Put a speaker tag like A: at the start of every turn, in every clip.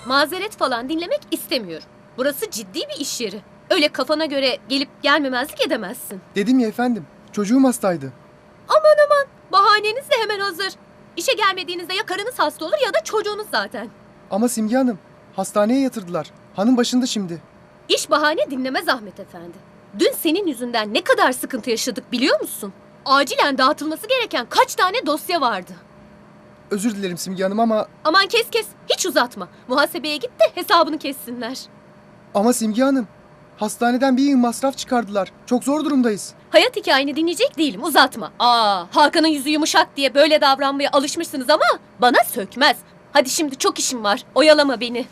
A: Mazeret falan dinlemek istemiyorum. Burası ciddi bir iş yeri. Öyle kafana göre gelip gelmemezlik edemezsin.
B: Dedim ya efendim, çocuğum hastaydı.
A: Bahaneniz de hemen hazır. İşe gelmediğinizde ya karınız hasta olur ya da çocuğunuz zaten.
B: Ama Simge Hanım, hastaneye yatırdılar. Hanım başında şimdi.
A: İş bahane dinlemez Ahmet Efendi. Dün senin yüzünden ne kadar sıkıntı yaşadık biliyor musun? Acilen dağıtılması gereken kaç tane dosya vardı.
B: Özür dilerim Simge Hanım ama...
A: Aman kes, hiç uzatma. Muhasebeye git de hesabını kessinler.
B: Ama Simge Hanım, hastaneden bir yığın masraf çıkardılar. Çok zor durumdayız.
A: Hayat hikayeni dinleyecek değilim, uzatma. Hakan'ın yüzü yumuşak diye böyle davranmaya alışmışsınız ama bana sökmez. Hadi şimdi çok işim var, oyalama beni.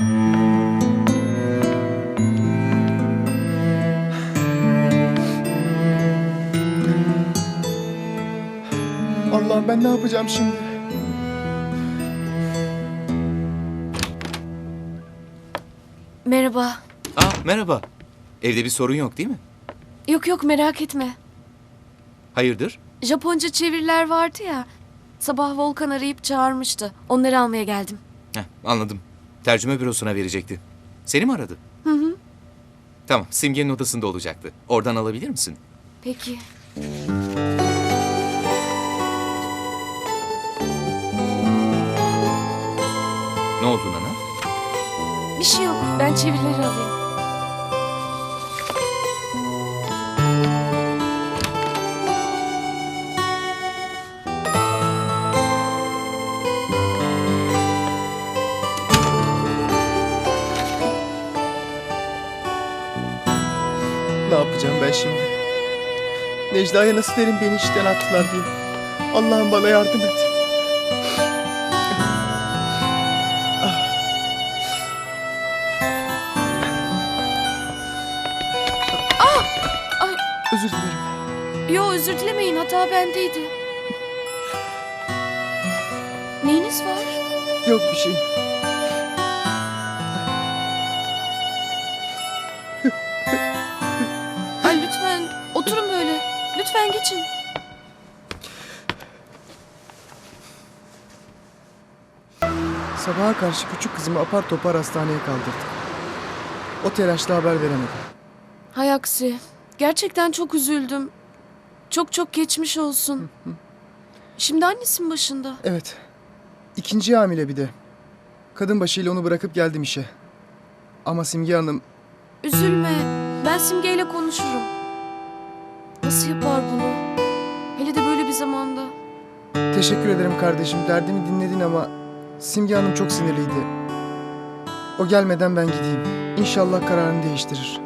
B: Allah'ım ben ne yapacağım şimdi?
C: Merhaba.
D: Merhaba. Evde bir sorun yok değil mi?
C: Yok merak etme.
D: Hayırdır?
C: Japonca çeviriler vardı ya. Sabah Volkan arayıp çağırmıştı. Onları almaya geldim.
D: Anladım. Tercüme bürosuna verecekti. Seni mi aradı?
C: Hı.
D: Tamam, Simge'nin odasında olacaktı. Oradan alabilir misin?
C: Peki.
D: Ne oldu Nana?
C: Bir şey yok. Ben çevirileri alayım.
B: Ne yapacağım ben şimdi? Necla'ya nasıl derim beni işten attılar diye. Allah'ım bana yardım et.
C: Ay.
B: Özür dilerim.
C: Yo özür dilemeyin. Hata bendeydi. Neyiniz var?
B: Yok bir şey.
C: Ay lütfen oturun böyle. Lütfen geçin.
B: Sabaha karşı küçük kızımı apar topar hastaneye kaldırdık. O telaşla haber veremedim.
C: Hay aksi. Gerçekten çok üzüldüm. Çok geçmiş olsun. Şimdi annesin başında.
B: Evet. İkinci hamile bir de. Kadın başıyla onu bırakıp geldim işe. Ama Simge Hanım...
C: Üzülme. Ben Simge ile konuşurum. Nasıl yapar bunu? Hele de böyle bir zamanda.
B: Teşekkür ederim kardeşim. Derdimi dinledin ama... Simge Hanım çok sinirliydi. O gelmeden ben gideyim. İnşallah kararını değiştirir.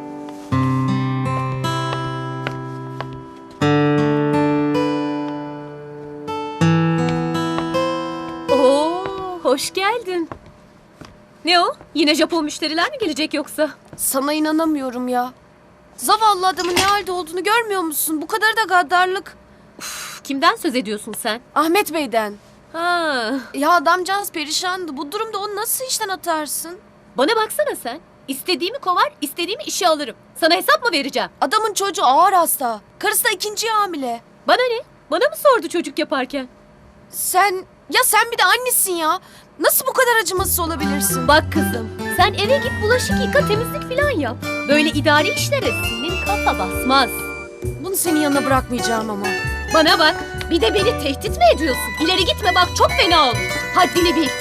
A: Oo, hoş geldin. Ne o? Yine Japon müşteriler mi gelecek yoksa?
C: Sana inanamıyorum ya. Zavallı adamın ne halde olduğunu görmüyor musun? Bu kadar da gaddarlık.
A: Kimden söz ediyorsun sen?
C: Ahmet Bey'den.
A: Ha,
C: Ya adamcağız perişandı. Bu durumda onu nasıl işten atarsın?
A: bana baksana sen. İstediğimi kovar, istediğimi işe alırım. Sana hesap mı vereceğim?
C: Adamın çocuğu ağır hasta. Karısı da ikinci hamile.
A: Bana ne? Bana mı sordu çocuk yaparken?
C: Sen bir de annesin ya. Nasıl bu kadar acımasız olabilirsin?
A: Bak kızım, sen eve git bulaşık yıka, temizlik falan yap. Böyle idari işlere senin kafa basmaz.
C: Bunu senin yanına bırakmayacağım ama.
A: Bana bak, bir de beni tehdit mi ediyorsun? İleri gitme bak, çok fena olur. Haddini bil.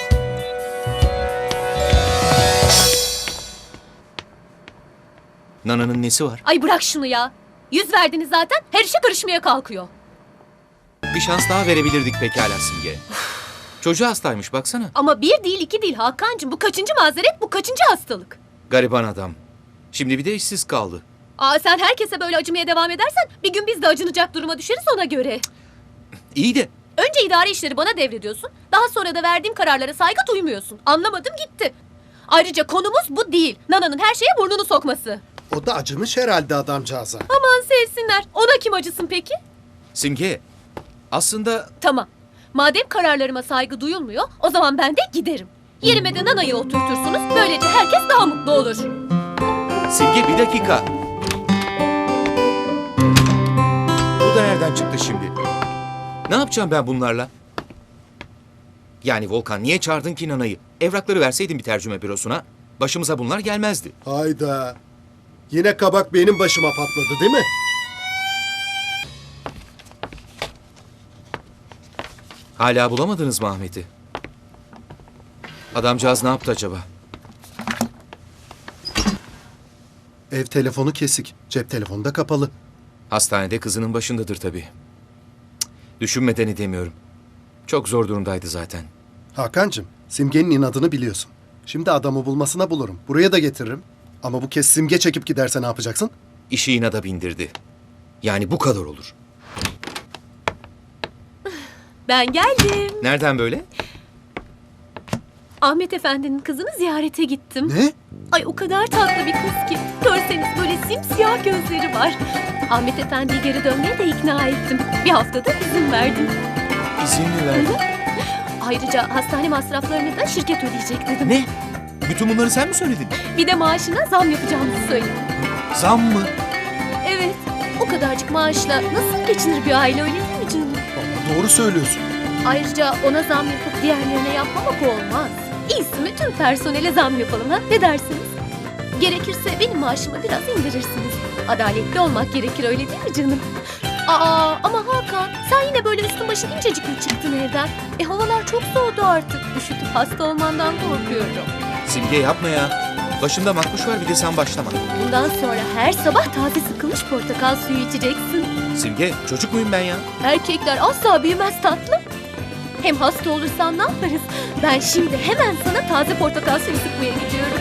D: Nana'nın nesi var?
A: Ay bırak şunu ya. Yüz verdiniz zaten, her işe karışmaya kalkıyor.
D: Bir şans daha verebilirdik pekala Simge. Çocuğu hastaymış baksana.
A: Ama bir değil iki değil Hakan'cığım. Bu kaçıncı mazeret, bu kaçıncı hastalık?
D: Gariban adam. Şimdi bir de işsiz kaldı.
A: Sen herkese böyle acımaya devam edersen bir gün biz de acınacak duruma düşeriz ona göre.
D: İyi de
A: Önce idari işleri bana devrediyorsun. Daha sonra da verdiğim kararlara saygı duymuyorsun. Anlamadım gitti. Ayrıca konumuz bu değil. Nana'nın her şeye burnunu sokması.
E: O da acımış herhalde adamcağıza.
A: Aman sevsinler. Ona kim acısın peki?
D: Simge aslında
A: Tamam. Madem kararlarıma saygı duyulmuyor, o zaman ben de giderim. Yerime de Nana'yı oturtursunuz. Böylece herkes daha mutlu olur.
D: Simge bir dakika. Bu da nereden çıktı şimdi? Ne yapacağım ben bunlarla? Yani Volkan niye çağırdın ki Nana'yı? Evrakları verseydin bir tercüme bürosuna, başımıza bunlar gelmezdi.
E: Hayda. Yine kabak benim başıma patladı değil mi?
D: Hala bulamadınız mı Ahmet'i? Adamcağız ne yaptı acaba?
E: Ev telefonu kesik. Cep telefonu da kapalı.
D: Hastanede kızının başındadır tabii. Cık, düşünmeden edemiyorum. Çok zor durumdaydı zaten.
E: Hakan'cığım, Simge'nin inadını biliyorsun. Şimdi adamı bulmasına bulurum. Buraya da getiririm. Ama bu kez Simge çekip giderse ne yapacaksın?
D: İşi inada bindirdi. Yani bu kadar olur.
A: Ben geldim.
D: Nereden böyle?
A: Ahmet Efendi'nin kızını ziyarete gittim.
E: Ne?
A: Ay o kadar tatlı bir kız ki. Görseniz böyle simsiyah gözleri var. Ahmet Efendi'yi geri dönmeye de ikna ettim. Bir haftada izin verdim.
D: İzin mi verdin?
A: Ayrıca hastane masraflarını da şirket ödeyecek dedim.
D: Ne? Bütün bunları sen mi söyledin?
A: Bir de maaşına zam yapacağımızı söyledim.
D: Zam mı?
A: Evet. O kadarcık maaşla nasıl geçinir bir aile öyle değil mi canım?
E: Doğru söylüyorsun.
A: Ayrıca ona zam yapıp diğerlerine yapmamak olmaz. İyisi mi tüm personele zam yapalım ha? Ne dersiniz? Gerekirse benim maaşımı biraz indirirsiniz. Adaletli olmak gerekir öyle değil mi canım? Aa ama Hakan sen yine böyle üstün başın incecik mi çıktın evden? Havalar çok soğudu artık. Üşütüp hasta olmandan korkuyorum.
D: Simge yapma ya. Başında makbuş var bir de sen başlama.
A: Bundan sonra her sabah taze sıkılmış portakal suyu içeceksin.
D: Simge çocuk muyum ben ya?
A: Erkekler asla büyümez tatlım. Hem hasta olursan ne yaparız? Ben şimdi hemen sana taze portakal suyu sıkmaya gidiyorum.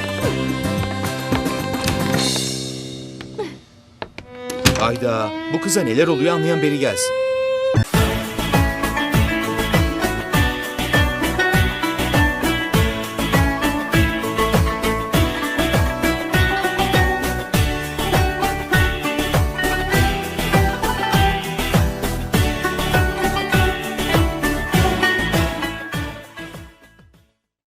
D: Hayda bu kıza neler oluyor anlayan beri gelsin.